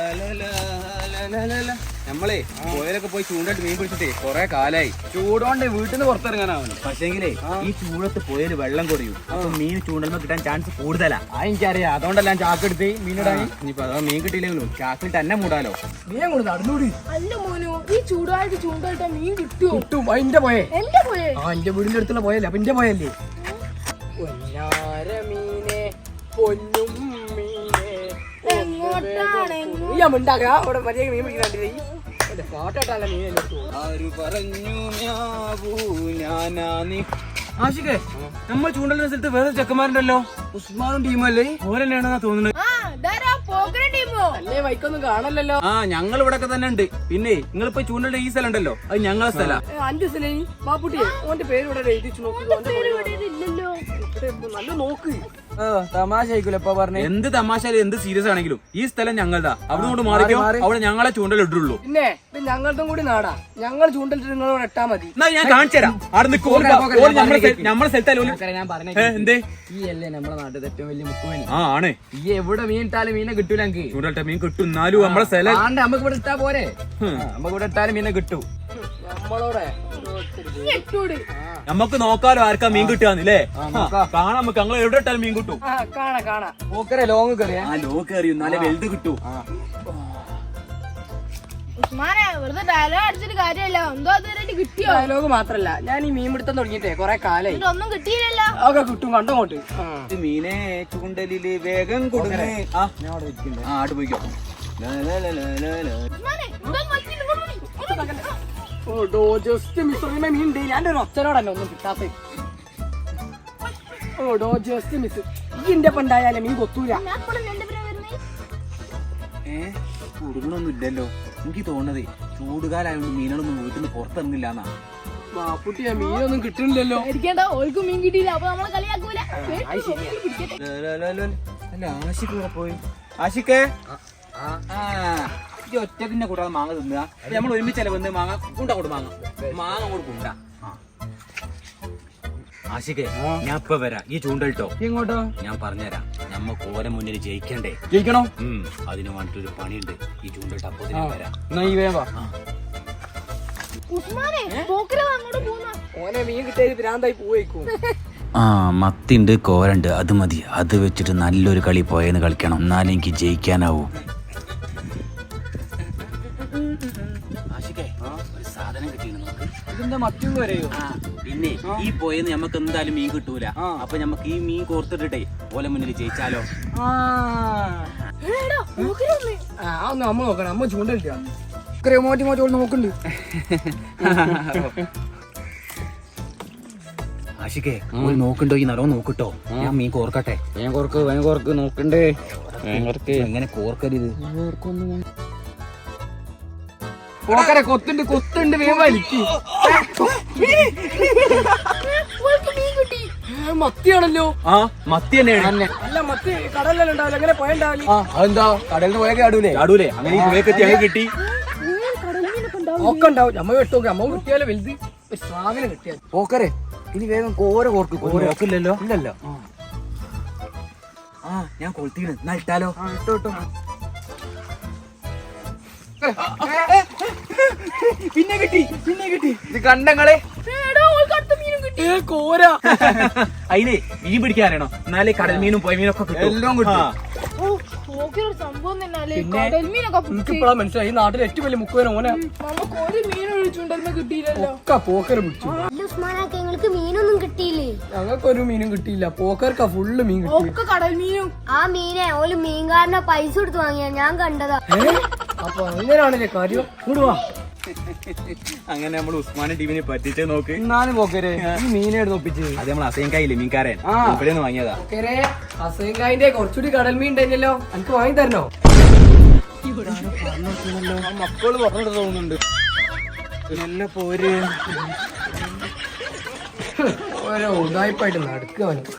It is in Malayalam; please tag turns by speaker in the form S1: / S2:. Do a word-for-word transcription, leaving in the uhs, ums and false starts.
S1: നമ്മളേ പോയാലൊക്കെ പോയി ചൂണ്ടായിട്ട് മീൻ പിടിച്ചിട്ടേ കൊറേ കാലായി.
S2: ചൂടോണ്ട് വീട്ടിൽ നിന്ന് പുറത്തിറങ്ങാനാവുന്നു.
S1: പക്ഷേങ്കിലേ ഈ ചൂടത്ത് പോയാല് വെള്ളം കുറയും. അപ്പൊ മീൻ ചൂണ്ടലുമ്പോ കിട്ടാൻ ചാൻസ് കൂടുതലാ.
S2: ആ എനിക്കറിയാം. അതുകൊണ്ടെല്ലാം ചാക്കെടുത്ത് മീനിടാൻ.
S1: ഇനിയിപ്പോ അഥവാ മീൻ കിട്ടിയില്ലെങ്കിലും ചാക്കിൽ തന്നെ മൂടാലോ.
S2: മീൻ കൊണ്ട് നടന്നൂടി.
S3: അല്ല മോനു, ഈ ചൂടായിട്ട് ചൂണ്ടായിട്ടാ മീൻ കിട്ടുമോ?
S2: കിട്ടും. അതിന്റെ പോയേ
S3: എന്റെ പോയേ
S2: ആ എന്റെ വീടിന്റെ അടുത്തുള്ള പോയല്ലേ. അപ്പൊ എന്റെ പോയല്ലേ മീനെ പൊന്നും മീനെ
S3: എങ്ങോട്ടാണ്?
S2: ഞാൻ ഉണ്ടാക്കുക അവിടെ മര്യാദ മീൻ പിടിക്കുന്നുണ്ട്. പാട്ടാട്ടല്ല മീൻ
S1: ആര് പറഞ്ഞു ഞാനാ നീ.
S2: ആഷിക്കേ, നമ്മൾ ചൂണ്ടലിന്റെ സ്ഥലത്ത് വേറെ ചെക്കന്മാരുണ്ടല്ലോ. ഉസ്മാനും ടീമല്ലേ? ഓരന്നെയാണെന്നാ തോന്നുന്നത്.
S3: ആ, ഇതാരാ പോക്കരൻ ടീമോ?
S2: അല്ലേ വൈക്കൊന്നും കാണല്ലോ.
S1: ആ ഞങ്ങൾ ഇവിടെ ഒക്കെ തന്നെ ഉണ്ട്. പിന്നെ നിങ്ങളിപ്പോ ചൂണ്ടലിന്റെ ഈ സ്ഥലം ഉണ്ടല്ലോ, അത് ഞങ്ങളെ സ്ഥല.
S2: അഞ്ചു സ്ഥലം മാപ്പുട്ടിയെ ഓന്റെ പേര് ഇവിടെ എഴുതിച്ചു നോക്കുക.
S3: ഇല്ലല്ലോ.
S2: നല്ല നോക്ക്. തമാശ ആയിക്കൂലപ്പ പറഞ്ഞേ.
S1: എന്ത് തമാശ എന്ത് സീരിയസ് ആണെങ്കിലും ഈ സ്ഥലം ഞങ്ങളതാ. അവിടെ കൊണ്ട് മാറിക്കോ. അവിടെ ഞങ്ങളെ ചൂണ്ടൽ ഇട്ടുള്ളൂ.
S2: പിന്നെ ഇത് ഞങ്ങളുടെ കൂടി നാടാ. ഞങ്ങൾ ചൂണ്ടലിട്ട് നിങ്ങളോട് എട്ടാ മതി.
S1: എന്നാ ഞാൻ കാണിച്ചു തരാം. അവിടെ നമ്മളെ സ്ഥലത്തല്ലോ.
S2: ഞാൻ പറഞ്ഞേ
S1: എന്തേ
S2: ഈ അല്ലേ നമ്മളെ നാട്ടിൽ ഏറ്റവും വലിയ മുക്കുവൻ.
S1: ആ ആണ്.
S2: ഈ എവിടെ മീൻ ഇട്ടാലും മീനെ കിട്ടൂല. എനിക്ക്
S1: ചൂണ്ടലിട്ട മീൻ കിട്ടും. എന്നാലും നമ്മളെ സ്ഥലം
S2: ആണ്ട് നമുക്ക് ഇവിടെ ഇട്ടാ പോരെ. നമുക്ക് ഇവിടെ ഇട്ടാലും മീനെ കിട്ടും. നമ്മളോടെ
S1: നമുക്ക് നോക്കാലോ ആർക്കാ മീൻ കിട്ടുകയെന്നില്ലേ. കാണാം നമുക്ക്. ഞങ്ങൾ എവിടെ ഇട്ടാലും മീൻ കിട്ടും.
S2: കാണാ കാണാ ഓക്കരെ ലോങ് കയറിയാ.
S1: ആ ലോ കയറി എന്നാലേ വലുത് കിട്ടൂ.
S3: ഉസ്മാനെ, വെറുതെ ഡയലോഗ് അടിച്ചിട്ട് കാര്യമല്ല. എന്തോ അതുവരെ കിട്ടിയോ?
S2: ഡയലോഗ് മാത്രല്ല, ഞാൻ ഈ മീൻ പിടുത്തം തുടങ്ങിയിട്ടേ കൊറേ കാലായി.
S3: ഇതൊന്നും കിട്ടിയില്ലല്ലോ.
S2: ഒക്കെ കിട്ടും. കണ്ടോട്ട്
S1: മീനെ ചൂണ്ടലില് വേഗം കൊടുക്കണേ. ആ
S2: ഞാൻ അവിടെ ഇരിക്കണ്ടേ.
S1: ആ ആട് പോയിക്കോ.
S3: ഉസ്മാനെ, ഇതൊന്നും പറ്റില്ല. ഇങ്ങോട്ട് വരി. ഇങ്ങോട്ട് വരി.
S2: ഓടോ ജസ്റ്റ് മിസ് മീൻ ഉണ്ട്. ഞാൻ ഒരു ഒച്ചനോടല്ല ഒന്നും കിട്ടാത്ത. ഓടോ ജസ്റ്റ് മിസ്. ഈ എന്റെ പണ്ടായാലേ മീൻ കൊത്തൂല.
S3: ഞാൻ ഇപ്പോഴും എന്റെ പേരാ വരുന്നേ.
S1: ഏ കൊടുക്കണൊന്നും ഇല്ലല്ലോ. എനിക്ക് തോന്നതേ ചൂടുകാലായോണ്ട് മീനുകളൊന്നും വീട്ടിൽ നിന്ന് പുറത്തിറങ്ങില്ല എന്നാ.
S2: മാപ്പുട്ടിയാ മീനൊന്നും കിട്ടുന്നില്ലല്ലോ.
S3: പേടിക്കണ്ട, ഓൾക്കും മീൻ കിട്ടിയില്ല. അപ്പൊ നമ്മളെ കളിയാക്കൂല.
S1: അല്ല ആഷിക്ക് ഇവിടെ പോയി. ആഷിക്കേ ഈ ഒറ്റക്കിന്നെ കൂടാതെ മാങ്ങ തിന്നുക. നമ്മൾ ഒരുമിച്ചല്ലേ വന്ന് മാങ്ങ കുണ്ട കൊണ്ട് മാങ്ങ മാങ്ങ കൂടെ കുണ്ട. ആഷിക്കേ, ഞാൻ ഇപ്പൊ വരാം. ഈ ചൂണ്ടലിട്ടോ.
S2: എങ്ങോട്ടോ? ഞാൻ
S1: പറഞ്ഞുതരാം. നമ്മ കോല മുന്നിൽ ജയിക്കണ്ടേ?
S2: ജയിക്കണോ?
S1: ഉം അതിന് വേണ്ടിട്ടൊരു പണിയുണ്ട്. ഈ ചൂണ്ടലിട്ട് അപ്പൊ വരാം.
S2: എന്നാ ഈ വേവാ.
S3: ഉസ്മാനെ, പോക്കര അങ്ങോട്ട് പോന്ന.
S2: ഓനെ മീൻ കിട്ടിയ ഭ്രാന്തായി പോയേക്കും.
S4: ആ മത്തിണ്ട്, കോരണ്ട്, അത് മതി. അത് വെച്ചിട്ട് നല്ലൊരു കളി പോയെന്ന് കളിക്കണം. എന്നാലും എനിക്ക് ജയിക്കാനാവൂ.
S1: സാധനം കിട്ടിയിരുന്നു.
S2: ഇതിന്റെ മറ്റും വരെയോ?
S1: പിന്നെ ഈ പോയെന്ന് നമുക്ക് എന്തായാലും മീൻ കിട്ടൂല. അപ്പൊ നമുക്ക് ഈ മീൻ കോർത്തിട്ടേ ഓല മുന്നിൽ ജയിച്ചാലോ?
S2: ആ ഒന്ന് അമ്മ നോക്കണം. അമ്മ ചൂണ്ടലിട്ടാ മോറ്റി മോറ്റി നോക്കണ്ട്.
S1: ആഷിക്കേ, നോക്കണ്ടോ? ഈ നല്ലോ നോക്കട്ടോ. ഞാൻ മീൻ കോർക്കട്ടെ.
S2: വേഗം കോർക്ക് വേഗം കോർക്ക് നോക്കണ്ടേ.
S1: എങ്ങനെ കോർക്കരുത്?
S2: പോക്കരെ കൊത്തുണ്ട് കൊത്തുണ്ട്. വേഗം വലിക്ക്. മത്തിയാണല്ലോ.
S1: ആ മത്തി തന്നെയാണ്.
S2: അല്ല മത്തി കടലിലെല്ലാം ഉണ്ടാവില്ല. അങ്ങനെ പോയണ്ടാവില്ല.
S1: അതെന്താ? കടലിന് പോയൊക്കെ ആടൂലേ? ആടൂലേ? അങ്ങനെ ഈ പുഴക്കെത്തി അങ്ങ് കിട്ടി
S2: ഒക്കെ ഉണ്ടാവും. നമ്മ വെട്ടോക്കെ അമ്മ കിട്ടിയാലോ വലുത്. ഒരു സാധനം കിട്ടിയാൽ പോക്കരെ. ഇനി വേഗം കോര കോർക്ക്. കോര
S1: നോക്കില്ലല്ലോ.
S2: ഇല്ലല്ലോ.
S1: ആ ഞാൻ കൊളുത്തീണ്. എന്നാ ഇട്ടാലോ?
S2: ഇട്ടോ ഇട്ടോ.
S1: പിന്നെ കിട്ടി പിന്നെ കിട്ടി. ഇത് കണ്ടങ്ങളെ
S2: കോര.
S1: അതിനെ മീൻ പിടിക്കാനാണോ? എന്നാലേ കടൽ മീനും പോയ മീനൊക്കെ കിട്ടും. എല്ലാം കിട്ടും.
S3: സംഭവം തന്നെ.
S2: എനിക്കിപ്പോഴാ മനസ്സിലായി. ഈ നാട്ടിൽ ഏറ്റവും വലിയ മുക്കുവൻ ഓന.
S3: നമുക്ക് ഒരു മീൻ ഒഴിച്ചുകൊണ്ടിരുന്ന കിട്ടിയില്ലല്ലോ.
S2: ഒക്കെ പോക്കർ പിടിച്ചു.
S5: നിങ്ങൾക്ക് മീനൊന്നും കിട്ടിയില്ലേ?
S2: ഞങ്ങൾക്കൊരു മീനും കിട്ടിയില്ല. പോക്കർക്കാ ഫുള്ള് മീൻ കിട്ടി.
S3: ഒക്കെ കടൽ മീനും.
S5: ആ മീനെ ഓല് മീൻകാരനെ പൈസ കൊടുത്ത് വാങ്ങിയാ ഞാൻ കണ്ടതാ.
S2: അപ്പൊ അങ്ങനെയാണല്ലേ കാര്യം. കൂടുവാ.
S1: അങ്ങനെ നമ്മൾ ഉസ്മാൻ ടീമിനെ പറ്റിച്ചേ നോക്ക്.
S2: എന്നാലും പോക്കരെ ഈ മീനെ ഒപ്പിച്ച്.
S1: അത് നമ്മൾ അസൈൻകായില്ലേ മീൻകാരൻ. ഇവിടെ നിന്ന് വാങ്ങിയതാ.
S2: പോക്കരെ അസൈൻകായിന്റെ കുറച്ചുകൂടി കടൽ മീൻ ഉണ്ടായിരുന്നല്ലോ. എനിക്ക് വാങ്ങി തരണോ?
S1: മക്കള് പറഞ്ഞിട്ട് തോന്നുന്നുണ്ട്. നല്ല പോര്
S2: ഓരോ ഉടായ്പായിട്ട് നടക്കുക.